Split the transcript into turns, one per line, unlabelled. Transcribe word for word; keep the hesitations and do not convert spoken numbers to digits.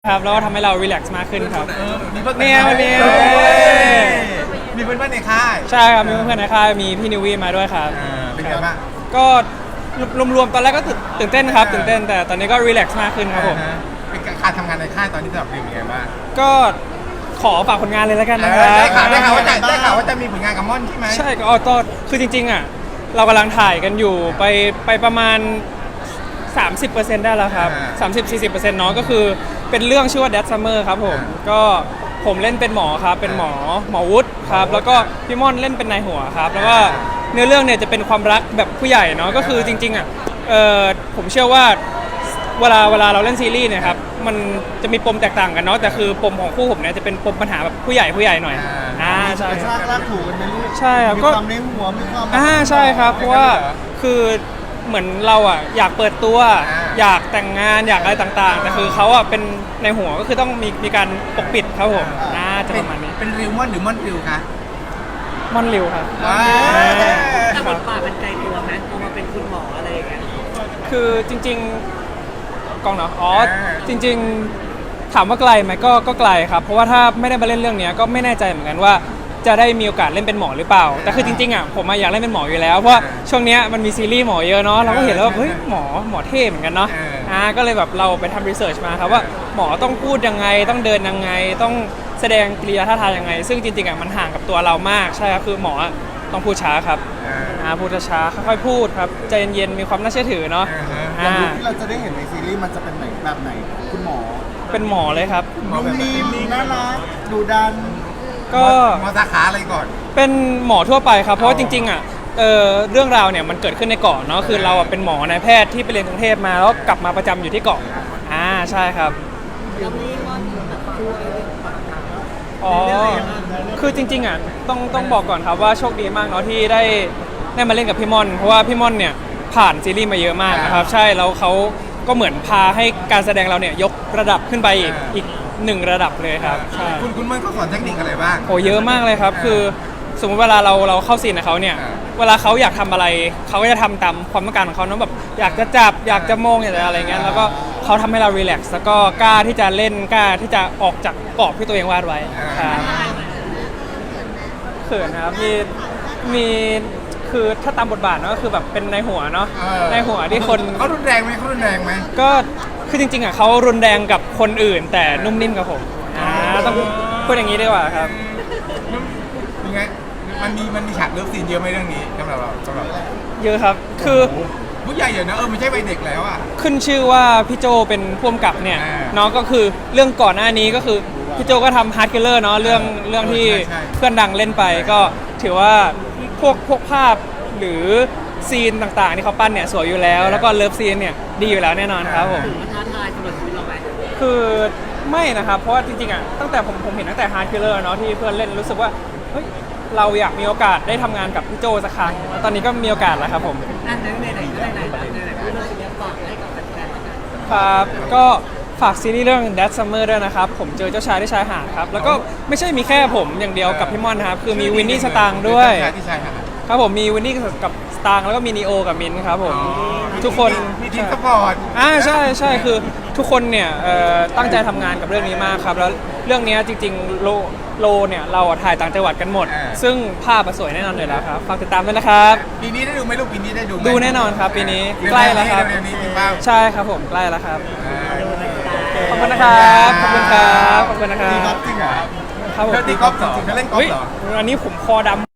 ครับแล้วก็ทำให้เรารีแลกซ์มากขึ้นครับ
มีเพื่อน
เนี่ยวันนี้
มีเพื่อนๆในค่าย
ใช่ครับมีเพื่อนๆในค่ายมีพี่นิววี่มาด้วยครับ
อ่าเป็นไงบ้าง
ก็รวมๆตอนแรกก็ตื่นเต้นครับตื่นเต้นแต่ตอนนี้ก็รีแลกซ์มากขึ้นครับผม
อ่าฮะเป็นการทำงานในค่ายตอนนี้สำหรับเป็นยังไงบ้าง
ก็ขอฝากผลงานเลยแล้วกัน
เอ
นะค
อ
รับ
ได้ข่าวได้ข่าวว่าจะได้ข่าวว่าจะมีผลงานกับม่อนใช่ไหม
ใช่ก็อ๋อก็คือจริงๆอ่ะเรากำลังถ่ายกันอยู่ไปไปประมาณ สามสิบเปอร์เซ็นต์ ได้แล้วครับ สามสิบถึงสี่สิบเปอร์เซ็นต์ เนาะก็คือเป็นเรื่องชื่อว่า Dead Summer ครับผมก็ผมเล่นเป็นหมอครับเป็นหมอหมอวุฒิครับแล้วก็พี่ม่อนเล่นเป็นนายหัวครับแล้วก็เนื้อเรื่องเนี่ยจะเป็นความรักแบบผู้ใหญ่เนาะก็คือจริงๆอ่ะเออผมเชื่อว่าเวลาเวลาเราเล่นซีรีส์เนี่ยครับมันจะมีปมแตกต่างกันเนาะแต่คือปมของคู่ผมเนี่ยจะเป็นปมปัญหาแบบผู้ใหญ่ผู้ใหญ่หน่อยอ่าใช่
กระชากลากถูกันไปลูก
ใช่ครับ
มี
ก็
ความในหัวมีความ
อ่าใช่ครับเพราะว่าคือเหมือนเราอ่ะอยากเปิดตัว อยากแต่งงานอยากอะไรต่างๆ แต่คือเขาอ่ะเป็นในหัวก็คือต้องมีมีการปกปิดครับผมน่าจะประมาณนี้
เป็นริวม่อนหรือม่อนริวคะ
ม่อนริวครับ
อ่า
แต่บทบาทมันไกลตัวไหมพอมาเป็นคุณหมออะไรอย่างเงี้ย
คือจริงๆกองเนาะอ๋อจริง ๆ ถามว่าไกลไหมก็ก็ไกลครับเพราะว่าถ้าไม่ได้มาเล่นเรื่องนี้ก็ไม่แน่ใจเหมือนกันว่าจะได้มีโอกาสเล่นเป็นหมอหรือเปล่า แต่คือจริงๆอ่ะผมอยากเล่นเป็นหมออยู่แล้วเพราะว่าช่วงนี้มันมีซีรีส์หมอเยอะเนาะเราก็เห็นแล้วว่าเฮ้ยหมอหมอเท่เหมือนกันเนาะอ่าก็เลยแบบเราไปทำรีเสิร์ชมาครับว่าหมอต้องพูดยังไงต้องเดินยังไงต้องแสดงกิริยาท่าทางยังไง ซึ่งจริงๆอ่ะมันห่างกับตัวเรามากใช่ครับคือหมอต้องพูดช้าครับอ่าพูดช้าๆค่อยๆพูดครับใจเย็นๆมีความน่าเชื่อถือเนาะ
อย่าง
อ่า
ลูกที่เราจะได้เห็นในซีรีส์มันจะเป็นไหนแบบไหน คุณหมอ
เป็นหมอเลยครับ
นุ่มนิ่มน่ารักดุดัน
ก็
หมอสาขาอะไรก่อน
เป็นหมอทั่วไปครับเพราะว่าจริงๆอ่ะเออเรื่องราวเนี่ยมันเกิดขึ้นในเกาะเนาะคือเราอ่ะเป็นหมอนายแพทย์ที่ไปเรียนกรุงเทพมาแล้วกลับมาประจำอยู่ที่เกาะอ่าใช่ครับ
แล้วนี่ก็แบบช่วย
อ๋อคือจริงๆอ่ะต้องต้องบอกก่อนครับว่าโชคดีมากเนาะที่ได้ได้มาเล่นกับพี่ม่อนเพราะว่าพี่ม่อนเนี่ยผ่านซีรีส์มาเยอะมากนะครับใช่แล้วเขาก็เหมือนพาให้การแสดงเราเนี่ยยกระดับขึ้นไปอีกอีกหนึ่งระดับเลยครับใช่
คุณคุณม่อนเขาสอนเทคนิคอะไรบ้าง
โอ้เยอะมากเลยครับ คือสมมติเวลาเราเราเข้าซีนกับเขาเนี่ย
อ่า
เวลาเขาอยากทำอะไรเขาก็จะทำตามความต้องการของเขาเนอะแบบอยากจะจับอยากจะมองอยากจะอะไรเงี้ยแล้วก็เขาทำให้เรารีแลกซ์แล้วก็กล้าที่จะเล่นกล้าที่จะออกจากกรอบที่ตัวเองวาดไว้ครับเขินครับมีมีคือถ้าตามบทบาทเนอะก็คือแบบเป็นในหัวเนาะ
เออ
ในหัวที่คน
เขารุนแรงไหมเขารุนแรงไหม
ก็คือจริงๆอ่ะเขารุนแรงกับคนอื่น แต่นุ่มนิ่มกับผมอ่าต้องพูดอย่างนี้ดีกว่าครับ
ยังไงมันมีมันมีฉากเลิฟซีนเยอะไหมเรื่องนี้สำหรับเราสำหรับเรา
เยอะครับคือ
ผู้ใหญ่เยอะนะเออไม่ใช่วัยเด็กแล้วอ่ะ
ขึ้นชื่อว่าพี่โจเป็นผู้กำกับเนี่ย
อ่า
เนาะก็คือเรื่องก่อนหน้านี้ก็คือพี่โจก็ทำฮาร์ดคิลเลอร์เนาะเรื่องเรื่องที่
ใช่ใช่
เพื่อนดังเล่นไปก็ถือว่าพวกพวกภาพหรือซีนต่างๆที่เขาปั้นเนี่ยสวยอยู่แล้ว แล้วก็เลิฟซีนเนี่ยดีอยู่แล้วแน่นอนครับผม
ถือว่าท้าทายสำหรับชีวิตเราไหม
คือไม่นะครับเพราะว่าจริงๆอ่ะตั้งแต่ผมผมเห็นตั้งแต่ฮาร์ดคิลเลอร์เนาะที่เพื่อนเล่นรู้สึกว่าเฮ้ยเราอยากมีโอกาสได้ทำงานกับพี่โจสักครั้งแล้วตอนนี้ก็มีโอกาสแล้วครับผม
นั่นไหนไหนไหนไหนไหนไหนพูดเรื่องนี้ฝากให้กับแฟนๆแล้วกัน
ครับก็ฝากซีรีส์เรื่อง Dead Summer ด้วยนะครับ ผมเจอเจ้าชายที่ชายหาดครับ แล้วก็ไม่ใช่มีแค่ผมอย่างเดียวกับพี่ม่อนนะครับ คือมีวินนี่สตางค์ด้วย
ที่ชายหาด
ครับผมมีวินนี่กับสตางค์แล้วก็มีนีโอกับมินท์ครับผม ทุกคน
มีทีมสปอร์ต
อ่าใช่ใช่คือทุกคนเนี่ยเอ่อตั้งใจทำงานกับเรื่องนี้มากครับ แล้วเรื่องนี้จริงๆโลโลเนี่ยเราอะถ่ายต่างจังหวัดกันหมด ซึ่งภาพอะสวยแน่นอนอยู่แล้วครับ ฝากติดตามด้วยนะครับ
ปีนี้ได้ดูไหมลูกปีนี้ได้ดูไหม
ดูแน่นอนครับปีนี้ใกล้แล้วครับ
เร็วๆนี้มีเป้า
ใช่ครับผมใกล้แล้วครับ
อ่า
ขอบคุณนะครับขอบคุณครับขอบคุณนะครั
ดีครับ
บ
จริงเหรอ
ครับผม
แล้วตีกอล์ฟจริงๆเขาเล่นกอล์
เฮ้
ฟ
ย
เหรอ
อันนี้ผมคอดำ